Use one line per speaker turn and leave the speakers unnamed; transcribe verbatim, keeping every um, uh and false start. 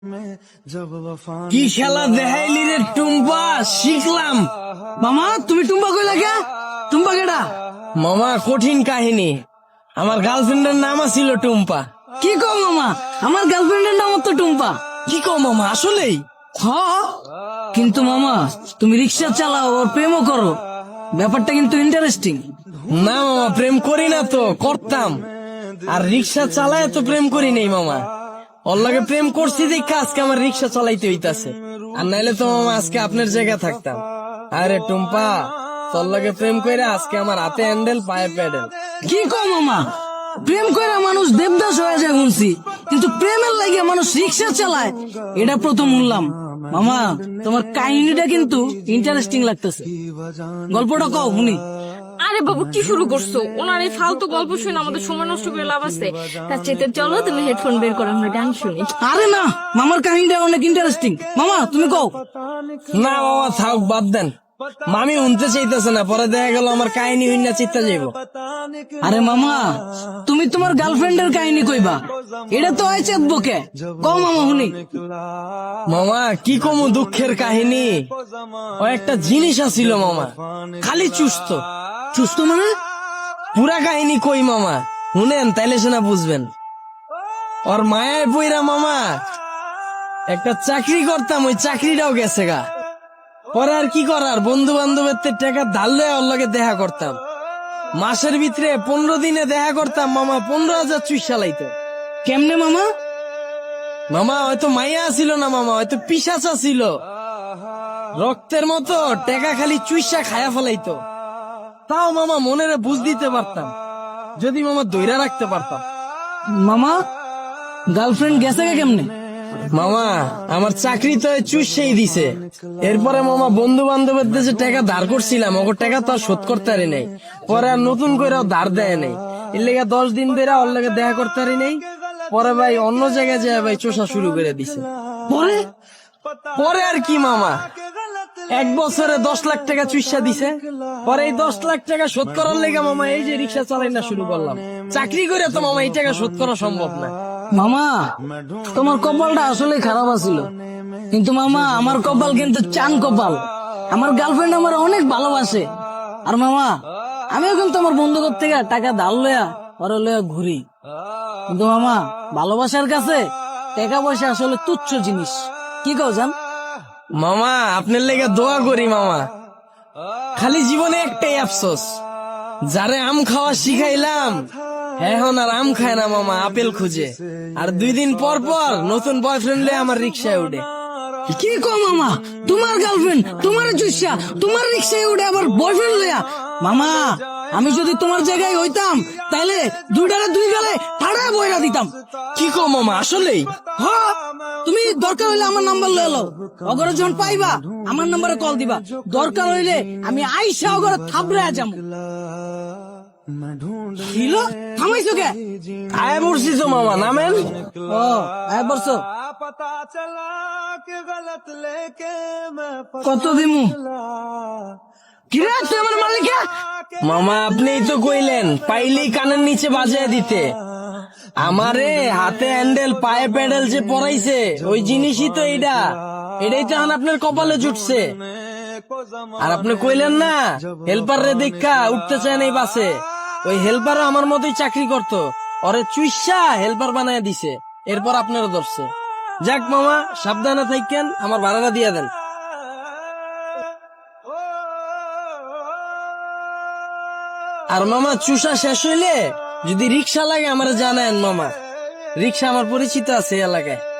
কি খেলা দেখাইলি রে টুম্পা, শিখলাম।
মামা তুমি টুম্পা কইলা কে? টুম্পা কেডা?
মামা কঠিন কাহিনী, আমার গার্লফ্রেন্ডের নাম ছিল টুম্পা।
কি কও মামা, আমার গার্লফ্রেন্ডের নাম তো টুম্পা।
কি কও মামা, আসলেই?
হ, কিন্তু মামা তুমি রিক্সা চালাও ওর প্রেমও করো, ব্যাপারটা কিন্তু ইন্টারেস্টিং।
না মামা, প্রেম করি না তো, করতাম। আর রিক্সা চালায় তো প্রেম করি নাই মামা। ওর লগে প্রেম করছি দেখে আজকে আমার রিক্সা চালাইতে হইতাছে, আর নাইলে তো মামা আজকে আপনার জায়গা থাকতাম। আরে টুম্পা, তোর লগে প্রেম কইরা আজকে আমার হাতে হ্যান্ডেল, পায়ে প্যাডেল।
কি কও মামা, প্রেম কইরা মানুষ দেবদাস হয়ে যায় শুনছি, কিন্তু প্রেমের লাগে মানুষ রিক্সা চালায় এটা প্রথম শুনলাম। মামা তোমার কাহিনীটা কিন্তু ইন্টারেস্টিং লাগতেছে, গল্পটা কও শুনি।
আরে বাবু কি শুরু করছো? ওনার এই ফালতু গল্প শুনে আমাদের সময় নষ্ট করে লাভ আছে? তার চেতে চলো তুমি হেডফোন বের করো, আমরা গান শুনি।
আরে না, মামার কাহিনীটা অনেক ইন্টারেস্টিং, মামা তুমি কও।
না মামা থাক, বাদ দেন। মামি শুনতে চাইতেছে না, পরে দেখা গেল আমার কাহিনী হইনা চিত্তা যাইব।
আরে মামা তুমি তোমার গার্লফ্রেন্ডের কাহিনী কইবা, এটা তো হয় চেতবকে, কও মামা শুনি।
মামা কি কমু দুঃখের কাহিনী, ও একটা জিনিস আছিল মামা, খালি চুস্ত।
সুস্থ মানে?
পুরা কাহিনী কই মামা, শুনেন তাইলে সেনা বুঝবেন। ওর মায়ায় বইরা মামা একটা চাকরি করতাম, ওই চাকরিটাও গেছে গা। পরে আর কি করার, বন্ধু বান্ধবের টাকা ধার লয়ে ওর লগে দেখা করতাম। মাসের ভিতরে পনেরো দিনে দেখা করতাম মামা, পনেরো হাজার চুইসা লাইতো।
কেমনে মামা?
মামা হয়তো মাইয়া ছিল না মামা, হয়তো পিশাচা ছিল, রক্তের মতো টেকা খালি চুইসা খায়া ফেলাইতো। তাও মামা মনেরে বুঝ দিতে পারতাম, যদি মামা দইরা রাখতে পারতাম।
মামা গার্লফ্রেন্ড গেছে কে কেমনে?
মামা আমার চাকরি তো চুষেই দিছে। এরপরে মামা বন্ধু বান্ধবের যে টাকা ধার করছিলাম, ওর টাকা তো আর শোধ করতে পারি নাই। পরে আর নতুন করে ধার দেয় নাই, এর লেগে দশ দিন ধরে ওর লেগে দেখা করতে পারি নাই। পরে ভাই অন্য জায়গায় যায় ভাই চোষা শুরু করে দিছে।
পরে
পরে আর কি মামা, এক বছরে দশ লাখ টাকা চুইসা দিছে। পরে এই দশ লাখ টাকা শোধ করার লেগে মামা এই যে রিক্সা চালাই না শুরু করলাম। চাকরি করে তো মামা এই টাকা শোধ করা সম্ভব না।
মামা তোমার কপালটা আসলে খারাপ আছিল, কিন্তু মামা আমার কপাল কিন্তু চান কপাল। আমার গার্লফ্রেন্ড আমার অনেক ভালোবাসে, আর মামা আমিও কিন্তু আমার বন্ধুদের থেকে টাকা ধার লয়া পরে লয়া ঘুরি। কিন্তু মামা ভালোবাসার কাছে টাকা পয়সা আসলে তুচ্ছ জিনিস, কি কও জান?
মামা আপনার লেগে দোয়া করি মামা, খালি জীবনে একটাই আফসোস, যারে আম খাওয়া শিখাইলাম এখন আর আম খায় না মামা, আপেল খুঁজে। আর দুই দিন পর পর নতুন বয়ফ্রেন্ড লে আমার রিক্সায় উঠে।
কি কও মামা, তোমার গার্লফ্রেন্ড তোমার চুষা তোমার রিক্সায় উঠে আবার বয়ফ্রেন্ড লয়া? মামা আমি যদি তোমার জায়গায় হইতাম তাইলে দুইটারে দুই গালে ঠাড়ায় বইরা দিতাম।
কি কো মামা, আসলেই?
হ্যাঁ, তুমি দরকার হইলে আমার নাম্বার লয়ে লও, অগরে যখন পাইবা আমার নাম্বারে কল দিবা, দরকার হইলে আমি আইসা অগরে থাবড়ে যাম। হিলো থামাইছো কে?
আয় বলছি তো মামা, নামেন।
ও আয় বলছো, কত দিমু? কিরে তুই আমার মালিকা?
মামা আপনিই তো কইলেন পাইলেই কানের নিচে বাজিয়ে দিতে। আমারে হাতে হ্যান্ডেল পায়ে প্যাডেল যে পরাইছে ওই জিনিসই তো এইটা, এটাই তো এখন আপনার কপালে জুটছে। আর আপনি কইলেন না হেল্পার রে দেখা উঠতে চায় না এই বাসে, ওই হেল্পারও আমার মতোই চাকরি করতো, ওরে চুইসা হেল্পার বানায় দিছে, এরপর আপনারও ধরছে। যাক মামা সাবধানে থাকেন, আমার ভাড়াটা দিয়ে দেন। আর মামা চুষা শেষ হইলে যদি রিক্সা লাগে আমার জানায়েন মামা, রিক্সা আমার পরিচিত আছে এলাকায়।